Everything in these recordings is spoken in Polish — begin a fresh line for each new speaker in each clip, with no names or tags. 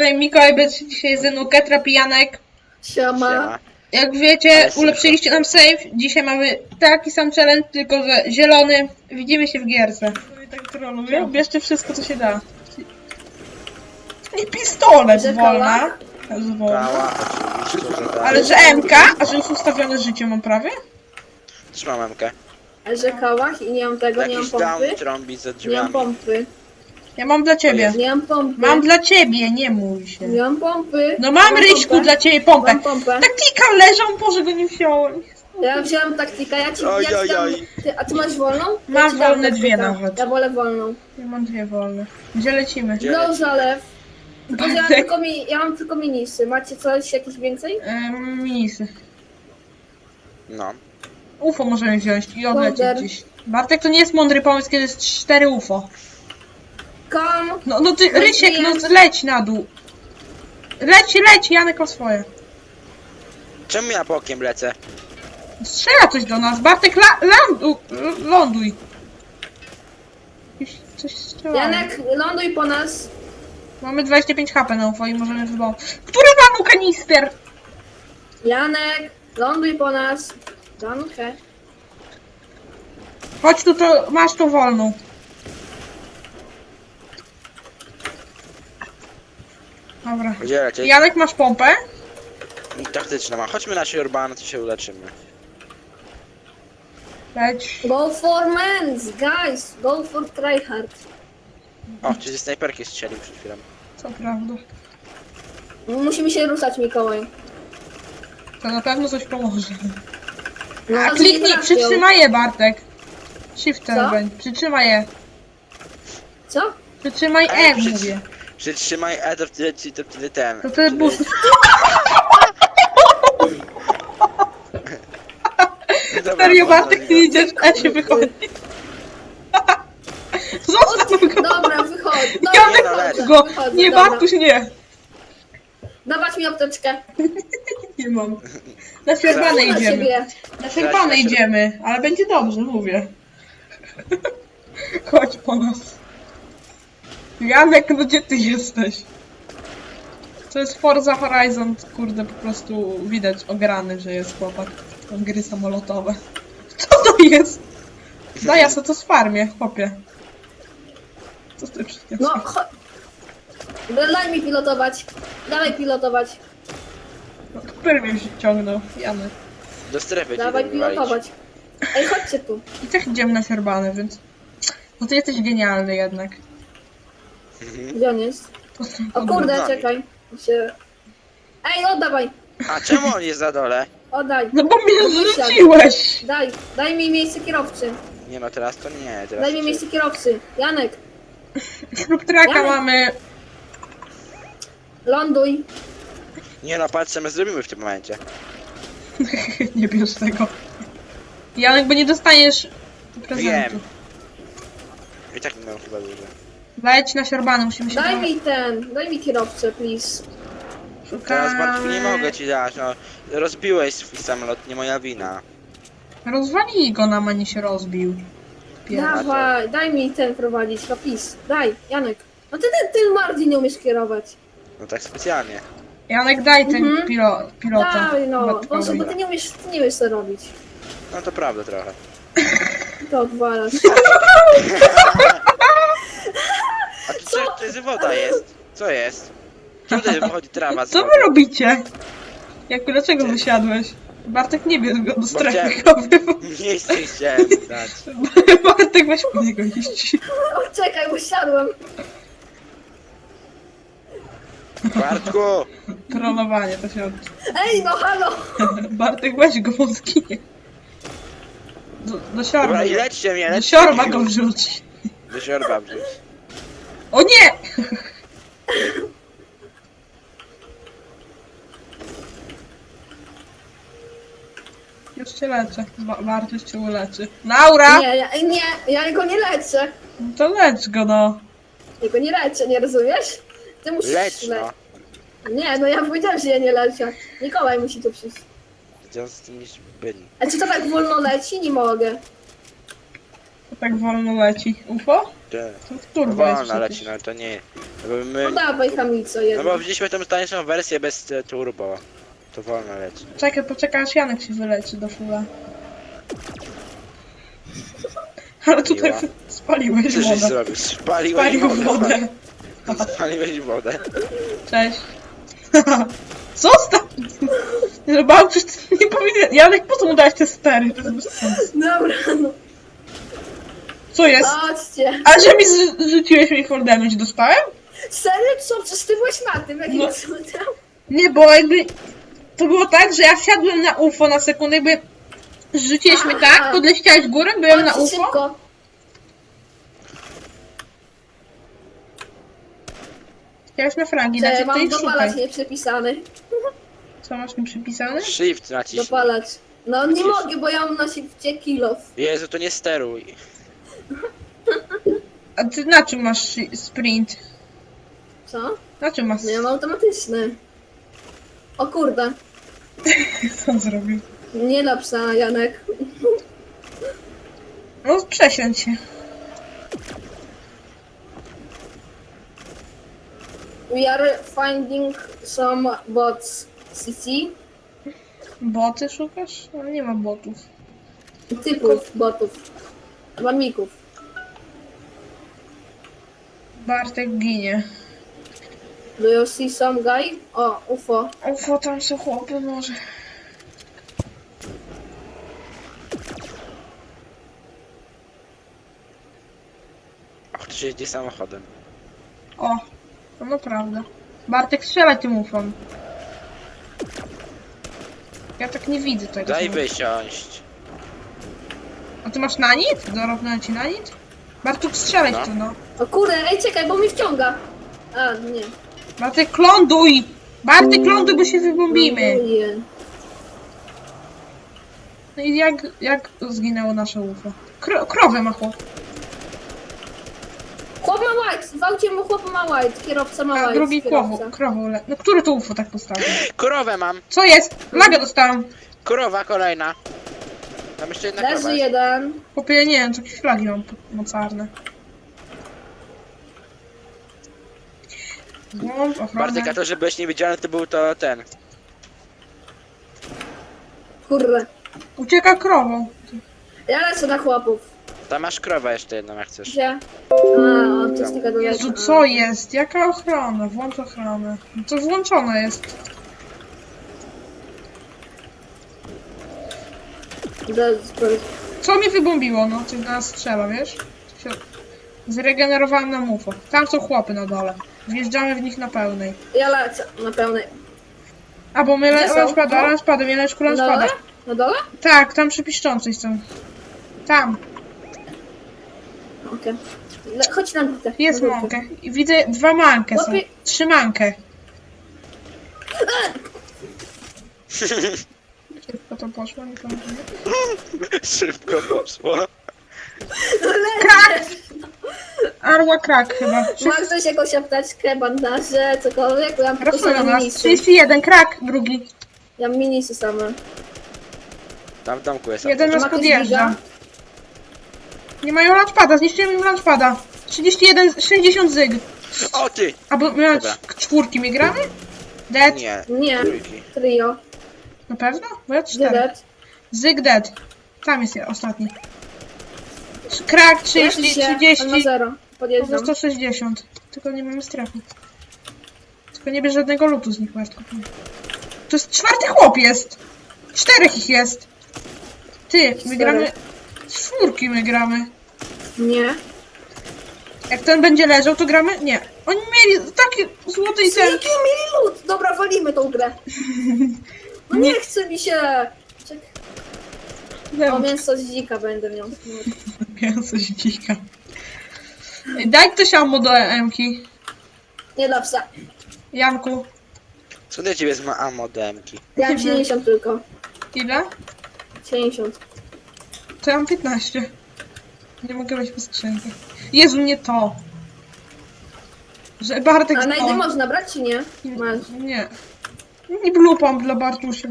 tutaj Mikołaj będzie dzisiaj ze mną, Ketra, Pijanek.
Siema.
Jak wiecie, ulepszyliście nam save. Dzisiaj mamy taki sam challenge, tylko że zielony. Widzimy się w gierce. Tak troluję. Bierzcie wszystko, co się da. I pistolet wolna.
Kała, oczywiście, że tak.
Ale że MK? A że już ustawione życie mam prawie?
Trzymam MK.
A że kałach i nie mam tego, nie mam
Jakiś down
pompy.
trąbi za
Nie mam
drzwiami.
pompy.
Ja mam dla ciebie.
Nie mam pompy.
Mam dla ciebie, nie mój się.
Nie mam pompy.
No mam Ryśku
pompę.
dla ciebie pompę.
Mam pompę.
Taktika leżą, Boże go nie wziąłem.
Ja wziąłem taktyka, ja ci
Oj,
ja
oj,
ci dam,
oj.
a ty masz wolną?
Mam
Ja ci dam
wolne dwie
taktyka.
nawet.
Ja wolę wolną.
Ja mam dwie wolne. Gdzie lecimy?
Gdzie?
No zalew. Tylko, że
Bartek.
ja mam tylko minisy. Macie coś, jakieś więcej?
Minisy.
No.
UFO możemy wziąć i odlecieć
Wonder.
gdzieś. Bartek, to nie jest mądry pomysł, kiedy jest 4 UFO.
Kom.
No ty, Rysiek, no leć na dół. Leć, Janek ma swoje.
Czemu ja bokiem lecę?
Strzela coś do nas. Bartek, ląduj. Jakieś coś strzela.
Janek, ląduj po nas.
Mamy 25 HP na UFO i możemy wybał. Który panu kanister?
Janek, ląduj po nas. Danke.
Chodź tu, to masz to wolną. Dobra.
Gdzie lecieć?
Janek, masz pompę?
Taktyczna ma. Chodźmy na Siorbana, to się uleczymy.
Leć.
Go for mens, guys. Go for tryhard.
O, czy ze snajperki strzelił przed chwilą.
Co prawda.
Musimy się ruszać, Mikołaj.
To na pewno coś pomoże.
No,
A
to
kliknij,
nie trafią.
przytrzymaj je, Bartek. Shiftem
Co?
będzie. Przytrzymaj je.
Co?
Przytrzymaj
Ale
mówię.
Przytrzymaj E, to wtedy ten.
To ten bus.
Dobra,
Serio,
można
Bartek,
go.
ty idziesz, a się wychodzi. Zostaw go.
Dobra, wychodź.
Janek,
wychodzę,
go.
wychodzę,
Nie,
dobra.
Bartuś, nie.
Dawać mi apteczkę.
Nie mam. Na Siorbane
Na
idziemy.
siebie.
Na Siorbane idziemy, ale będzie dobrze, mówię. Chodź po nas. Janek, no gdzie ty jesteś? To jest Forza Horizon, kurde, po prostu widać ograny, że jest chłopak. Tam gry samolotowe. Co to jest? Daj, ja co to z farmie, chłopie. Co ty przyniosłeś?
No, chodź. Daj mi pilotować. Dawaj pilotować.
No, który mnie ciągnął? Janek.
Do strefy ci
Dawaj
tak wywalić.
pilotować. Ej, chodźcie tu.
I tak idziemy na Siorbane, więc... No ty jesteś genialny jednak.
Gdzie on jest? O kurde,
nami.
czekaj. Się... Ej, oddawaj.
A czemu on jest za dole?
Oddaj.
No bo mnie
Wysiadł.
zrzuciłeś!
Daj mi miejsce kierowcy.
Nie no, teraz to nie. Teraz
Daj mi
to-
miejsce kierowcy. Janek,
Śrub traka
Janek.
mamy.
ląduj.
Nie no, patrz co my zrobimy w tym momencie.
Nie bierz tego. Janek, bo nie dostaniesz prezentu.
Wiem. I tak nie mam chyba dużo.
Leć na Siorbany, musimy się
Daj mi kierowcę, please.
szukać.
Teraz Bartku nie mogę ci dać, no. Rozbiłeś swój samolot, nie moja wina.
Rozwalij go nam, a nie się rozbił.
Dawaj, daj mi ten prowadzić, no please. Daj, Janek. No ty Mardi nie umiesz kierować.
No tak specjalnie.
Janek, daj ten
Mhm.
pilota.
Daj no,
Bartkowi.
Boże, bo ty nie umiesz to robić.
No to prawda trochę.
To odwalasz.
A tu co? To jest woda jest. Co jest? Czemu tutaj wychodzi trawa z
Co
wody?
wy robicie? Dlaczego wysiadłeś? Bartek, nie bierz go do strefy
chciałem-
kawy.
Miejsce chciałem dać.
Bartek, weź po niego iść.
O, czekaj, usiadłem.
Bartku!
Trollowanie to się od...
Ej, no halo.
Bartek, weź go, on zginie. Do siorba.
Dobra i lećcie mnie,
Do
lećcie
siorba
mnie
go
już.
wrzuć.
Do siorba wrzuć.
O nie! Już cię leczę. Bartuś cię uleczy. Laura!
Nie, ja go nie leczę.
No to lecz go, no.
Ja go nie leczę, nie rozumiesz? Ty musisz
Leć no.
Nie, no ja powiedziałem, że ja nie leczę. Mikołaj musi tu przyjść.
Gdzie z tymi byli?
A czy to tak wolno leci? Nie mogę.
To tak wolno leci. UFO?
Gdzie?
To w turbo jest
Wolna
przecież.
leci, no to nie. Bo my...
No dawaj hamico
No
jedno.
bo wzięliśmy tą tańszą wersję bez turbo. To wolno leci.
Czekaj, poczekaj aż Janek się wyleczy do fula. Ale tutaj
Miła.
spaliłeś
Co żeś
wodę.
zrobił? Spaliłeś
Spalił
wodę.
wodę.
Spaliłeś wodę.
Cześć. Zostaw! Nie, Bałczysz, nie powinien... Janek, po co mu dałeś te stery? To jest bez sensu.
Dobra, no.
Co jest?
Chodźcie.
A że mi rzuciłeś mi fall damage, dostałem?
Serio? Co? Przecież ty byłeś na tym, jak
No.
ja cudem.
Nie, bo jakby... To było tak, że ja wsiadłem na UFO na sekundę, jakby... Rzuciłeś mnie tak, podleciałeś górę, byłem na
Chodźcie
UFO.
szybko.
Chciałeś na fragi,
Że
znaczy ty
mam
ich
dopalacz
szukaj.
nieprzypisany.
Co masz mi przypisane?
Shift naciśnij.
Dopalacz. No nie
Naciśnij.
mogę, bo ja mam na szybcie kilof.
Jezu, to nie steruj.
A ty na czym masz sprint?
Co?
Na czym masz...
No ja mam automatyczny. O kurde.
Co on zrobił?
Nie dla psa, Janek.
No przesiądź się.
We are finding some bots. CC?
Boty szukasz? No nie ma botów.
Typów botów. Mamików.
Bartek ginie.
Do you see some guy? O, UFO.
UFO, tam są chłopy może.
Ach, to się jedzie samochodem.
O, to naprawdę. Bartek, strzelaj tym ufom. Ja tak nie widzę tego.
Daj
samochodu.
wysiąść.
A ty masz nanit? Dorobnę ci nanit? Bartek, strzelaj
No.
w to, no.
O kurde, ej czekaj, bo mi wciąga. A, nie.
Bartek, ląduj! Bartek, ląduj, bo się wybombimy.
Nie.
No i jak zginęło nasze UFO? Krowę ma chłop.
Chłop ma white, zwałcie mu chłop ma white, kierowca ma
A
white.
drugi
kierowca.
krową No które to UFO tak postawił?
Krowę mam.
Co jest? Lagę dostałam.
Krowa kolejna. Tam jeszcze jedna krowa
Leży
jest.
jeden.
Chłopie, ja nie wiem, co jakieś flagi mam mocarne. Głąb,
Bartek,
ochrona.
a to, że byłeś niewidzialny, to był to ten.
Kurde.
Ucieka krową.
Ja lecę na chłopów.
Tam masz krowę jeszcze jedną, jak chcesz.
Gdzie? A, to jest taka daleka.
Jezu, co jest? Jaka ochrona? Włącz ochronę. To włączona jest. Co mnie wybombiło? No, coś do nas strzela, wiesz? Się... Zregenerowałem na mufo. Tam są chłopy na dole. Wjeżdżamy w nich na pełnej.
Ja lecę na pełnej.
A bo my
Gdzie są?
launchpadem, Janeczku,
Na
launchpada.
dole? Na dole?
Tak, tam przy piszczącej są. Tam.
Okej. Chodź na górkę.
Jest
na górkę.
mąkę. I widzę 2 mankę są.
Chłopie-
3 mankę. Szybko to poszło, nie pamiętam.
Szybko poszło.
Krak! Arła krak chyba.
Ma ktoś jakąś apteczkę, bandaże, cokolwiek? Bo ja mam tylko
Rosły na
same
nas.
minisy.
31, krak, drugi.
Ja mam minisy same.
Tam w domku jest.
Jeden
Ma
nas
ktoś
podjeżdża.
giga?
Nie mają launchpada, zniszczyłem im launchpada. 31, 60 zyg.
O ty!
A bo my
Dobra.
czwórki my gramy? Dead?
Nie.
Nie.
Trójki.
Trio.
Na pewno? Bo ja 4.
Dydet.
Zyg dead. Tam jest ostatni. Krak 30,
On ma
30.
0.
No
Podjeżdżam.
160. Tylko nie mamy strefy. Tylko nie bierz żadnego lutu z nich, Bartku. To jest 4. chłop jest! 4 ich jest! Ty, my
4.
gramy... 4 my gramy.
Nie.
Jak ten będzie leżał, to gramy? Nie. Oni mieli takie złote i ten...
Jaki mieli lód? Dobra, walimy tą grę. No nie chce mi się. O, mięso z dzika będę miał.
Mięso z dzika. Ej, daj ktoś ammo do EM-ki.
Nie dla psa.
Janku,
Co do ciebie z ammo demki?
Ja mam 70 tylko.
ile?
70.
To ja mam 15. Nie mogę wejść po skrzynkę. Jezu, nie to. Że Bartek
A najdy
to.
można brać czy nie? Masz.
Nie. Nie blupam dla Bartusia.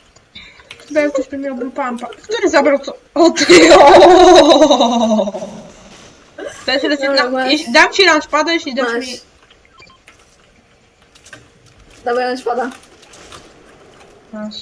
Chyba jak ktoś by miał blupampa. Który zabrał co? O ty! O! Też leci
Dobra,
na...
masz.
Dam ci launchpada, jeśli dasz
Masz.
mi...
Dobra, na szpada.
Masz.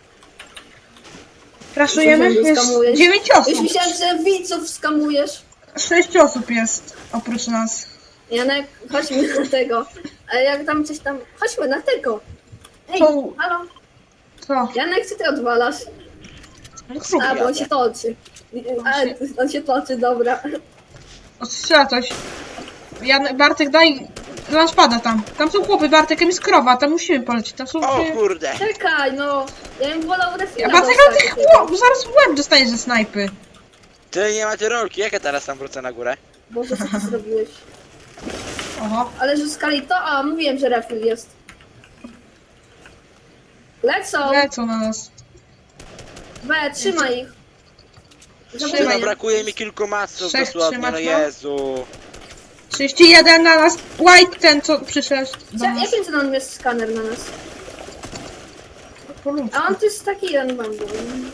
Kraszujemy?
Myślałem, że
Jest
skamujesz.
9
Już
osób.
myślałem, że widzów skamujesz.
6 osób jest oprócz nas.
Janek, chodźmy na tego. Ale jak tam coś tam... Chodźmy na tego. Ej,
Co?
halo.
Co?
Janek, co ty odwalasz?
No kruk.
A, bo on się toczy. On się toczy, dobra.
Ostrzela coś. Bartek, daj launchpada tam. Tam są chłopy, Bartek, tam jest krowa, tam musimy polecieć. Tam są...
O kurde!
Czekaj, no. Ja bym wolał refila
Bartek, ale ty
dostać.
chłop, zaraz w łeb dostaniesz ze snajpy.
Ty nie macie rolki, jak ja teraz tam wrócę na górę?
Boże, co ty zrobiłeś?
Oho.
Ale że skali to... A, mówiłem, że refil jest. Lecą!
Lecą na nas.
Trzymaj ich.
Trzymaj.
No
Zabijaj.
brakuje mi kilku masów
Trzech
dosłownie,
trzymasz,
no
no?
Jezu.
31 na nas. White ten, co przyszedł do nas.
Jakim ceną jest skaner na nas?
Po ludzku.
A on to jest taki jeden bambu.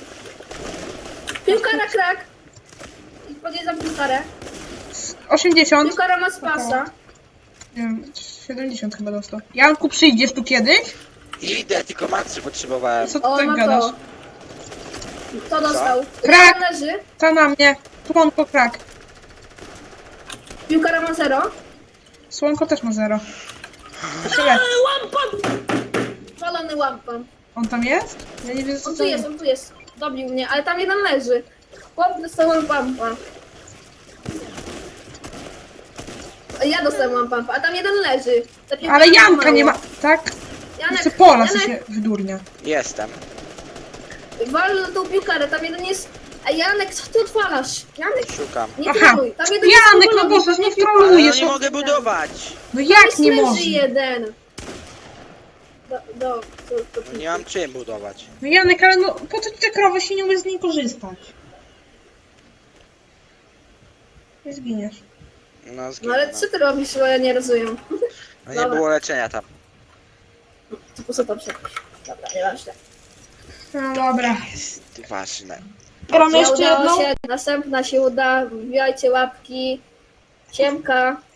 Piłkara krak! Podjeżdżam piłkarę.
80.
Piłkara ma spasa.
Nie wiem, 70 chyba dostał. Janku, przyjdziesz tu kiedyś?
Idę, tylko macy potrzebowałem.
Co ty
O,
tak
ma
gadasz?
to. To dostał.
Krak!
Piłkara leży.
Ta na mnie. Słonko krak.
Piłkara ma 0.
Słonko też ma 0. Tyle.
Łampam! Walony łampam.
On tam jest? Ja nie wiem, co
On
to
tu jest, on tu jest. Dobił mnie, ale tam jeden leży. Chłop dostał łampampa. Ja dostałem łampampa, a tam jeden leży. Ta piłka
Ale
ma
Janka
mało.
nie ma. Tak?
Janek,
Chce pola, co
Janek,
się wydurnia.
Jestem.
wal na tą piłkarę, tam jeden jest... Ej, Janek, co ty odwalasz? Janek,
Szukam.
nie
Aha.
troluj. Tam jeden jest
Janek, no
powolony,
Boże, nie
pewnie
Ale no
trolujesz.
nie mogę budować.
No
Tam
jak
jest
nie
leży
może?
jeden.
No nie mam czym budować.
No Janek, ale no po co ci te krowy się nie umiesz z niej korzystać? Nie zginiesz.
No
No
zginę.
ale co ty robisz, bo ja nie rozumiem.
No nie było leczenia tam.
To po co tam szedłeś? Dobra, nieważne.
No dobra.
Jest ważne.
Gramy
Nie
jeszcze
udało
jedną?
się, następna się uda, wbijajcie łapki. Siemka.